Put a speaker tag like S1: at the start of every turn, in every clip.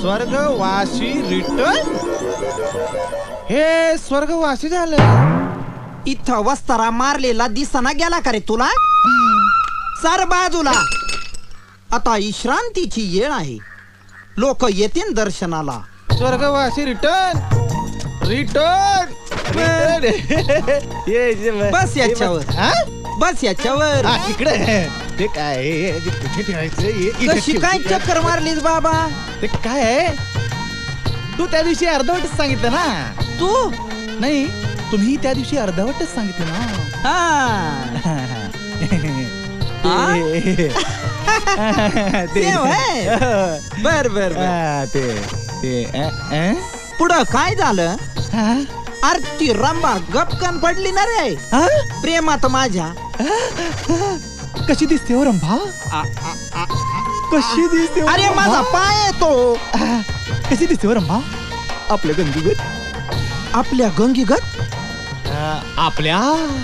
S1: स्वर्गवासी रिटर्न. हे स्वर्गवासी झालं.
S2: इथं वस्तारा मारलेला दिसना गेला का रे तुला? सर बाजूला. आता विश्रांतीची वेळ आहे. लोक येतील दर्शनाला.
S1: स्वर्गवासी रिटर्न. रिटर्न.
S2: बस याच्यावर. बस याच्यावर.
S1: इकडे ते काय कुठे ठेवायचं?
S2: कशी काय चक्कर मारलीस बाबा?
S1: ते काय आहे? तू त्या दिवशी अर्धवटच सांगितलं ना.
S2: तू
S1: नाही, तुम्ही त्या दिवशी अर्धवटच सांगितलं ना.
S2: बर बर.
S1: ते
S2: पुढं काय झालं? आरती रंबा गपकन पडली ना रे प्रेमात माझ्या.
S1: कशी दिसते हो रंभा? कशी दिसते?
S2: अरे माझा पाय आहे तो.
S1: कशी दिसते हो रंभा? आपल्या गंगीगत.
S2: आपल्या गंगीगत?
S1: आपल्या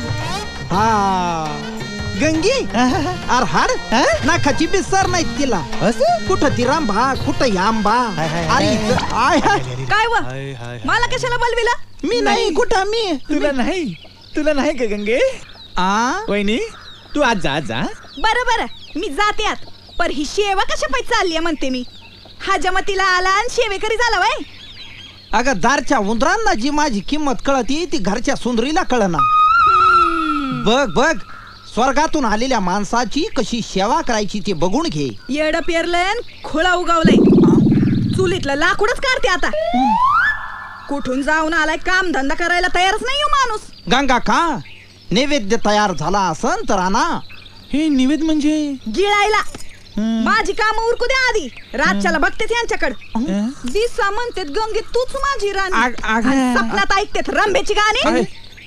S2: गंगी. अर हाड नाकाची बिसर नाही तिला. कुठं ती रांबा कुठं आंबा. अरे
S3: काय व मला कशाला बोलविला?
S2: मी नाही. कुठं मी?
S1: तुला नाही का गंगे? वहिनी तू आज जा.
S3: बरं मी जाते आत. पर ही शेवा कशा पाय चालली म्हणते मी. हा जमतीला आला आणि शेवेकरी झाला वय.
S2: अगं दारच्या उंदरांना जी माझी किंमत कळती ती घरच्या सुंदरीला कळना. बघ स्वर्गातून आलेल्या माणसाची कशी सेवा करायची ते बघून घे.
S3: येड पेरलंय खोळा उगावलंय. चुलीतलं लाकूडच काढते आता. कुठून जाऊन आलाय काम धंदा करायला तयारच नाही हो माणूस.
S2: गंगा का नैवेद्य तयार झाला असन तर आणा.
S1: हे निवेद म्हणजे
S3: गिळायला. माझी काम उरकू द्या आधी. रातच्याला बघतेच यांच्याकडे. दिसा म्हणतेत गंगे तूच माझी राणी. सपनात ऐकतेत रंभेची गाणी.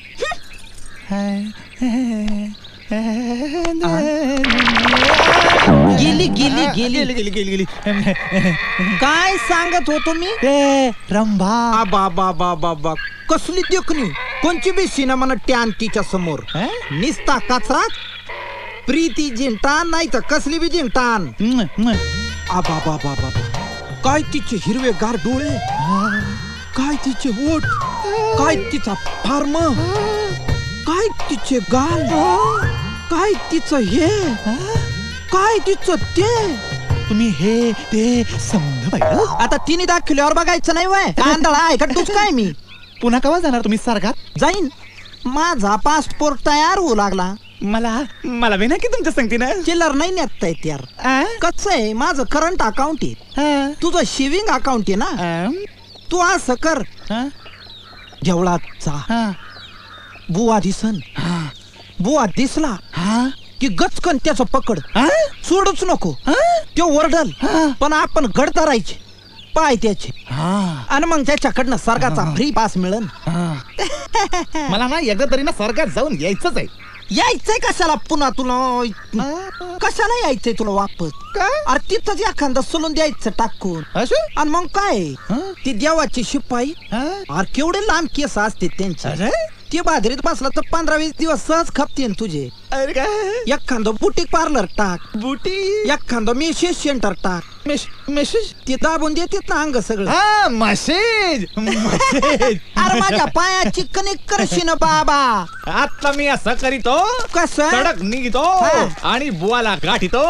S2: गेली. काय सांगत होतो मी?
S1: रंभा.
S2: बाबा कसली देखणी. कोणची बी सिनेमा टॅन तिच्या समोर. निस्ता कचरा. प्रीती जिंकतान नाही तर कसली बी जिंकतान. बाबा काय तिचे हिरवे गार डोळे. काय तिचे ओठ. काय तिचा फार्म. काय तिचे गाल. काय तिचं हे. काय तिचं ते.
S1: तुम्ही हे ते समज पाहिजे.
S2: आता तिने दाखवल्यावर बघायचं नाही वय. कांदळा आहे का तूच काय मी.
S1: पुन्हा केव्हा जाणार तुम्ही स्वर्गात?
S2: जाईन. माझा पासपोर्ट तयार होऊ लागला.
S1: मला विना की तुमच्या संगतीनं
S2: चिल्लर नाही नेता येत यार. कसं आहे माझं करंट अकाउंट आहे. तुझं सेव्हिंग अकाउंट आहे ना. तू असं कर. जेवढात जा. बुवा दिसन. बुवा दिसला की गचकन त्याचं पकड. सोडूच नको. तो ओरडल पण आपण गड धरायचे पाय त्याचे. आणि मग त्याच्याकडनं स्वर्गाचा फ्री पास मिळन.
S1: मला ना एकदा तरी ना स्वर्गात जाऊन यायचंच आहे.
S2: यायचंय कशाला पुन्हा तुला? कशाला यायचंय तुला वापस? अरे तिथंच एखादं सोलून द्यायचं टाकून. आणि मग काय ती देवाची शिपाई. अरे केवढे लांब केस असते त्यांचे. ते बाजरीत बसला तर 15-20 दिवस सहज खपतील तुझे. एखादं बुटीक पार्लर टाक. एखादं मेसेज सेंटर टाक. मेसेज ते दाबून देतात ना अंग सगळं.
S1: मसेज.
S2: अरे माझ्या पायाची कनेक्ट करशील बाबा.
S1: आता मी असं करीतो.
S2: कसं?
S1: कडक निघतो आणि बुवाला गाठीतो.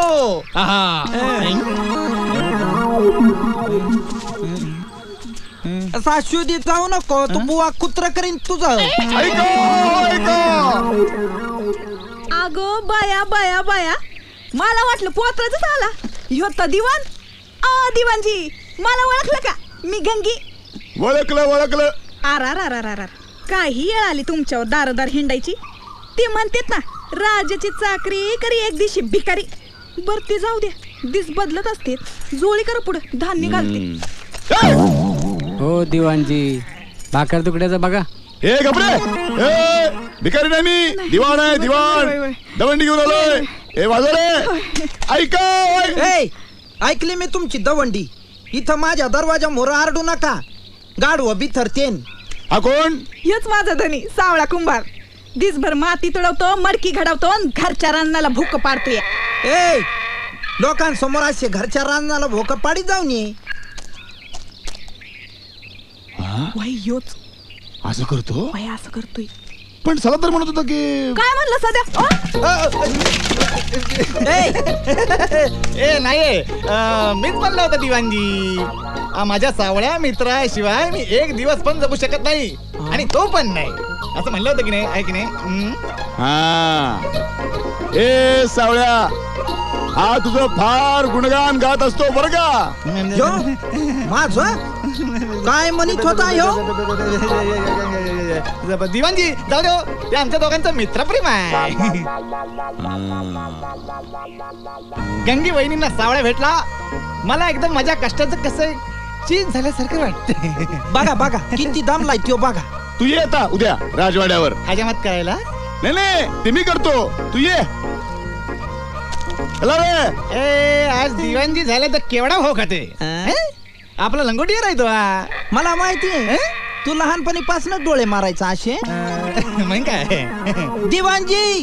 S2: साशुदी जाऊ नको. तू बुवा कुत्र करीन तुझं.
S3: अगो बाया मला वाटलं पोत्राच आला. ह्यो तर दिवाण. दिवाणजी मला ओळखलं का? मी गंगी.
S4: ओळखलं.
S3: आर काही येळ आली तुमच्यावर दारदार हिंडायची. ते म्हणतात ना राजाची चाकरी करी एक दिवशी भिकारी. बर ते जाऊ द्या. दिस बदलत असते. जोळी कर पुढे धान्य घालते.
S5: हो दिवाणजी भाकर तुकड्याचं बघा.
S4: हे गपरे. भिकारी नाही मी. दिवाण आहे दिवाण. दवंडी घेऊन आलोय. हे वाजवले. ऐका.
S2: ऐकली मी तुमची दवंडी. इथं माझ्या दरवाजा मोर आरडू नका. गाडव बिथरतेन.
S4: हा कोण?
S3: हेच माझा धनी सावळा कुंभार. दिसभर माती तुडवतो मडकी घडवतो घरच्या रानाला भूक पाडतोय.
S2: लोकांसमोर असे घरच्या रानाला भूक पाडी जाऊन ये.
S3: वय योच
S4: असं करतो
S3: वय असं करतोय.
S4: पण सला तर म्हणत होता की
S3: काय म्हणलं सध्या?
S1: ए नाही मीच म्हणलं होतं दिवाणजी, माझ्या सावळ्या मित्राशिवाय मी एक दिवस पण जगू शकत नाही आणि तो पण नाही असं म्हणलं होतं की नाही? आहे की नाही?
S4: हा ए सावळ्या, हा तुझं फार गुणगान गात असतो बरं का.
S2: यो माझं काय म्हणत होता यो?
S1: दिवाणजी जाऊ दे, ते आमच्या दोघांचं मित्रप्रेम आहे. गंगी वहिनींना सावळ्या भेटला, मला एकदम माझ्या कष्टाचं कसं चीज झाल्यासारखं वाटतं.
S2: बघा बघा किती दमलाय त्यो बघा.
S4: तू ये आता उद्या राजवाड्यावर.
S1: हजामत करायला.
S4: नाही ते मी करतो, तू ये. चला रे.
S1: ए आज दिवाणजी झाले तर केवढा भाव खाते. आपला लंगोटी राहतो.
S2: मला माहितीये तू लहानपणीपासूनच डोळे मारायचा असे.
S1: मग काय
S2: दिवाणजी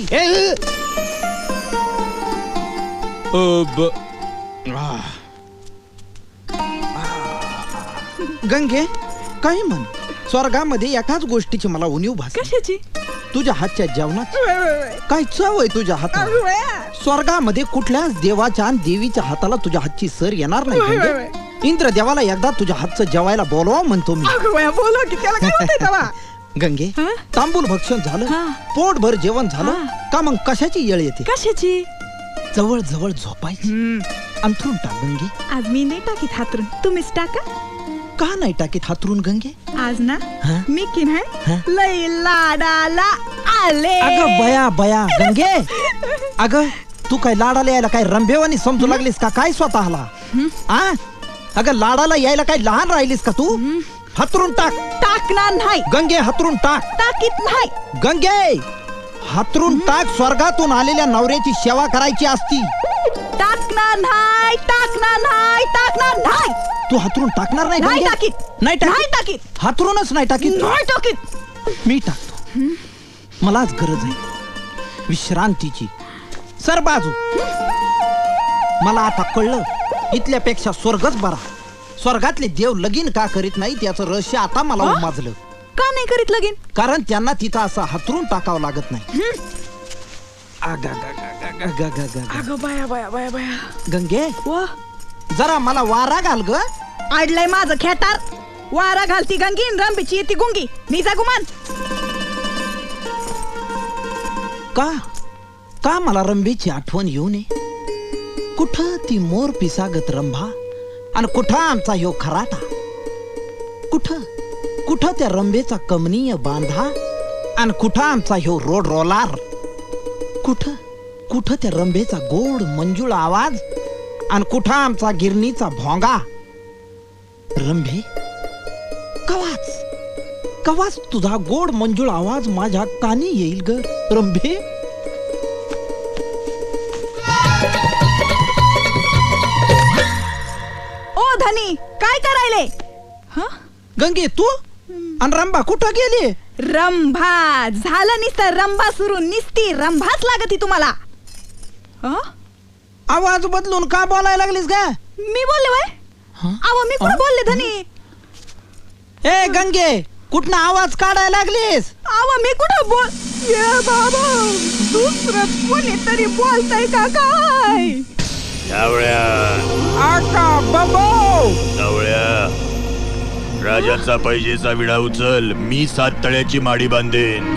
S2: गंगे काही म्हण, स्वर्गामध्ये एकाच गोष्टीची मला उणीव भासली.
S3: कशाची?
S2: तुझ्या हातच्या जेवणाची. काय चव आहे तुझ्या हातात. स्वर्गामध्ये कुठल्याच देवाच्या आणि देवीच्या हाताला तुझ्या हातची सर येणार नाही गंगे. इंद्र देवाला एकदा तुझ्या हातचं जेवायला बोलवा म्हणतो मी.
S3: बोलो की त्याला काय होतंय तेव्हा?
S2: गंगे तांबूल भक्षण झालं, पोटभर जेवण झालं का मग कशाची येळ येते?
S3: कशाची?
S2: जवळ जवळ झोपायची. अंथरून टाक गंगे.
S3: आज मी नाही टाकीत हातरून, तुम्हीच टाका.
S2: का नाही टाकीत हातरून गंगे?
S3: आज ना
S2: हा?
S3: मी की
S2: हा?
S3: नाही लई लाडाला आले.
S2: अगं बया बया गंगे, अगं तू काय लाडाला यायला काय रंभेवानी समजू लागलीस का काय स्वतःला? आ अगं लाडाला यायला काय लहान राहिलीस का तू? हातरून टाक.
S3: टाकणार नाही
S2: गंगे, हातरून टाक.
S3: टाकीत नाही.
S2: गंगे हातरून टाक. स्वर्गातून आलेल्या नवऱ्याची सेवा करायची असती.
S3: टाकणार नाही, टाकणार नाही, टाकणार नाही.
S2: तू हातरून टाकणार नाही
S3: नाही
S2: गंगे?
S3: टाकीत.
S2: नाही
S3: नाही
S2: टाकीत.
S3: टाकीत.
S2: हातरूनच नाही टाकीत.
S3: नाही टाकीत.
S2: मी टाकतो. मलाच गरज आहे विश्रांतीची. सर बाजू. मला आता कळलं इथल्यापेक्षा स्वर्गच बरा. स्वर्गातले देव लगीन का करीत नाही त्याचं रहस्य आता मला उमजलं.
S3: का नाही करीत लगीन?
S2: कारण त्यांना तिथं असं हातरून टाकावं लागत नाही.
S3: अगं बाया बाया बाया बाया.
S2: गंगे
S3: वा
S2: जरा मला वारा घाल ग.
S3: आडलंय माझं खेटार. वारा घालती गंगीन, रंबीची येती गुंगी. मी जा गुमान.
S2: का का मला रंभेची आठवण येऊ नये? कुठं ती मोर पिसागत रंभा आणि कुठं आमचा ह्यो खराटा? कुठं कुठं त्या रंभेचा कमनीय बांधा आणि कुठं आमचा ह्यो रोड रोलार? कुठं कुठं त्या रंभेचा गोड मंजूळ आवाज आणि कुठं आमचा गिरणीचा भोंगा? रंभे कवाच कवाच तुझा गोड मंजूळ आवाज माझ्या कानी येईल ग रंभे.
S3: ओ धनी काय करायले?
S2: गंगे तू आणि रंभा कुठं गेली?
S3: रंभा झालं निसतं रंभा सुरू. निसती रंभाच लागती तुम्हाला.
S2: आवाज बदलून का बोलायला लागलीस का?
S3: मी बोलले वय? अहो मी कुठं बोलले धनी?
S2: ए गंगे कुठनं आवाज काढायला लागलीस?
S3: अहो मी कुठं बोल. ये बाबा दुसरं कोणीतरी बोलताय का काय?
S6: सावळ्या
S2: आका बाबो
S6: सावळ्या, राजाचा पैजेचा विडा उचल. मी 7 तळ्याची माडी बांधेन.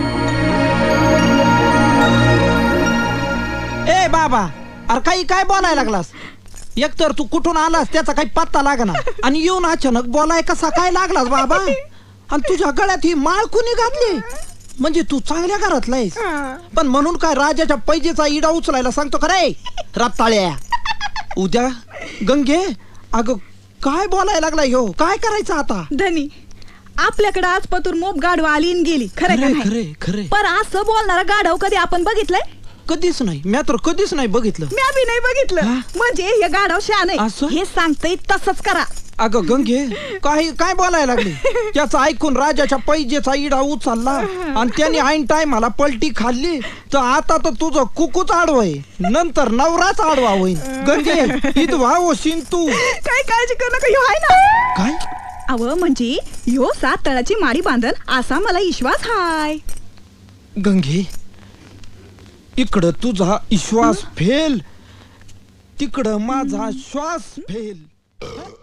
S2: ए बाबा अरे काही काय बोलायला लागलास? एकतर तू कुठून आलास त्याचा काही पत्ता लागना आणि येऊन अचानक बोलाय कसा काय लागलास बाबा? आणि तुझ्या गळ्यात ही माळ कुणी घातली? म्हणजे तू चांगल्या घरातला आहेस पण म्हणून काय राजाच्या पैजेचा इडा उचलायला सांगतो का रे रताळ्या? उद्या गंगे अगं काय बोलायला लागला ह्यो? काय करायचं आता?
S3: धनी आपल्याकडे आज पतूर मोप गाढव आली आणि गेली. खरं का नाही?
S2: खरे खरे
S3: पर असं बोलणारा गाढव कधी आपण बघितलंय?
S2: कधीच नाही. मी तर कधीच नाही बघितलं.
S3: मी अभि नाही बघितलं.
S2: हा?
S3: म्हणजे हे गाढव शहाणे
S2: असं?
S3: हे सांगतय तसंच करा.
S2: अगं गंगे काय बोलायला लागली? त्याचं ऐकून राजाच्या पैजेचा इडा उचलला आणि त्याने ऐन टायमाला पलटी खाल्ली तर आता तर तुझं कुकूच आडवय नंतर नवराच आडवा होईल. गंगे इथं वावशीन तू.
S3: काय काळजी करू नका. ह्यो आहे ना
S2: काय
S3: अव म्हणजे ह्यो 7 तळाची माडी बांधन असा मला विश्वास हाय.
S2: गंगे इकडं तुझा विश्वास फेल, तिकडं माझा श्वास फेल.